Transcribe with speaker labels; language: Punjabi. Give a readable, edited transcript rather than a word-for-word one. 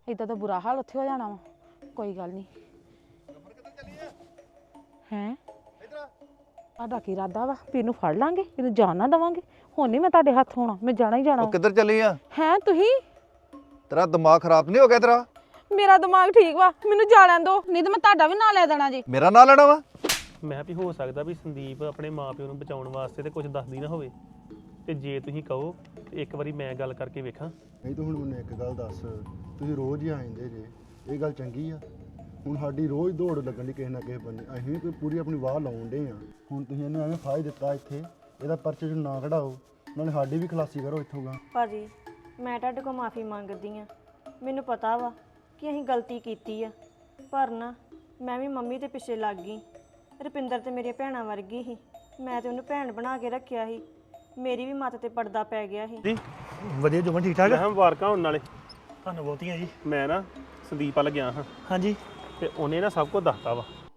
Speaker 1: ਇਦਾਂ ਤਾਂ ਬੁਰਾ ਹਾਲ ਉੱਥੇ ਹੋ ਜਾਣਾ ਵਾ। ਕੋਈ ਗੱਲ ਨਹੀਂ ਹੈ। ਤੁਹਾਡਾ ਕੀ ਇਰਾਦਾ ਵਾ ਵੀ ਇਹਨੂੰ ਫੜ ਲਾਂਗੇ, ਇਹਨੂੰ ਜਾਣ ਨਾ ਦੇਵਾਂਗੇ? ਹੁਣ ਨਹੀਂ ਮੈਂ ਤੁਹਾਡੇ ਹੱਥ ਹੋਣਾ, ਮੈਂ ਜਾਣਾ ਹੀ ਜਾਣਾ।
Speaker 2: ਉਹ ਕਿੱਧਰ ਚੱਲੀ ਆ?
Speaker 1: ਹੈ ਤੁਸੀਂ?
Speaker 2: ਤੇਰਾ ਦਿਮਾਗ ਖਰਾਬ ਨਹੀਂ ਹੋ ਗਿਆ ਤੇਰਾ?
Speaker 1: ਮੇਰਾ ਦਿਮਾਗ ਠੀਕ ਵਾ, ਮੈਨੂੰ ਜਾ ਲੈਣ ਦਿਓ, ਨਹੀਂ ਤਾਂ ਮੈਂ ਤੁਹਾਡਾ ਵੀ ਨਾਂ ਲੈ ਦੇਣਾ ਜੀ।
Speaker 2: ਮੇਰਾ ਨਾਂ ਲੈਣਾ ਵਾ?
Speaker 3: ਮੈਂ ਵੀ ਹੋ ਸਕਦਾ ਵੀ ਸੰਦੀਪ ਆਪਣੇ ਮਾਪਿਓ ਨੂੰ ਬਚਾਉਣ ਵਾਸਤੇ ਤੇ ਕੁਝ ਦੱਸਦੀ ਨਾ ਹੋਵੇ, ਤੇ ਜੇ ਤੁਸੀਂ ਕਹੋ ਤੇ ਇੱਕ ਵਾਰੀ ਮੈਂ ਗੱਲ ਕਰਕੇ ਵੇਖਾਂ।
Speaker 4: ਨਹੀਂ ਤਾਂ ਹੁਣ ਮੈਨੂੰ ਇੱਕ ਗੱਲ ਦੱਸ, ਤੁਸੀਂ ਰੋਜ਼ ਹੀ ਆ ਜਾਂਦੇ ਜੇ, ਇਹ ਗੱਲ ਚੰਗੀ ਆ? ਹੁਣ ਸਾਡੀ ਰੋਜ਼ ਦੌੜ ਲੱਗਣ ਦੀ ਕਿਸੇ ਨਾ ਕਿਸੇ ਬੰਨੇ, ਅਸੀਂ ਕੋਈ ਪੂਰੀ ਆਪਣੀ ਵਾਹ ਲਾਉਣ ਡੇ ਆ। ਹੁਣ ਤੁਸੀਂ ਇਹਨੂੰ ਐਵੇਂ ਫਾਇਦਾ ਦਿੱਤਾ ਇੱਥੇ, ਇਹਦਾ ਪਰਚੇ 'ਚ ਨਾ ਕਢਾਓ, ਨਾਲੇ ਸਾਡੀ ਵੀ ਖਲਾਸੀ ਕਰੋ ਇੱਥੋਂ ਗਾ।
Speaker 5: ਭਾਜੀ ਮੈਂ ਤੁਹਾਡੇ ਕੋਲ ਮਾਫੀ ਮੰਗਦੀ ਆ। ਮੈਨੂੰ ਪਤਾ ਵਾ ਕਿ ਅਸੀਂ ਗਲਤੀ ਕੀਤੀ ਆ, ਪਰ ਨਾ ਮੈਂ ਵੀ ਮੰਮੀ ਦੇ ਪਿੱਛੇ ਲੱਗ ਗਈ। ਰੁਪਿੰਦਰ ਤੇ ਮੇਰੀਆਂ ਭੈਣਾਂ ਵਰਗੀ ਸੀ, ਮੈਂ ਤੇ ਉਹਨੂੰ ਭੈਣ ਬਣਾ ਕੇ ਰੱਖਿਆ ਸੀ, ਮੇਰੀ ਵੀ ਮੱਤ ਤੇ ਪਰਦਾ ਪੈ ਗਿਆ ਸੀ।
Speaker 3: ਜੀ
Speaker 6: ਵਧੀਆ ਜੁਮਨ ਠੀਕ ਠਾਕ?
Speaker 3: ਮੈਂ ਮੁਬਾਰਕਾਂ ਹੋਣ ਨਾਲੇ।
Speaker 6: ਤੁਹਾਨੂੰ ਬਹੁਤੀਆਂ ਜੀ।
Speaker 3: ਮੈਂ ਨਾ ਸੰਦੀਪ ਵੱਲ ਗਿਆ ਹਾਂ।
Speaker 6: ਹਾਂਜੀ।
Speaker 3: ਤੇ ਉਹਨੇ ਨਾ ਸਭ ਕੁਝ ਦੱਸਤਾ ਵਾ।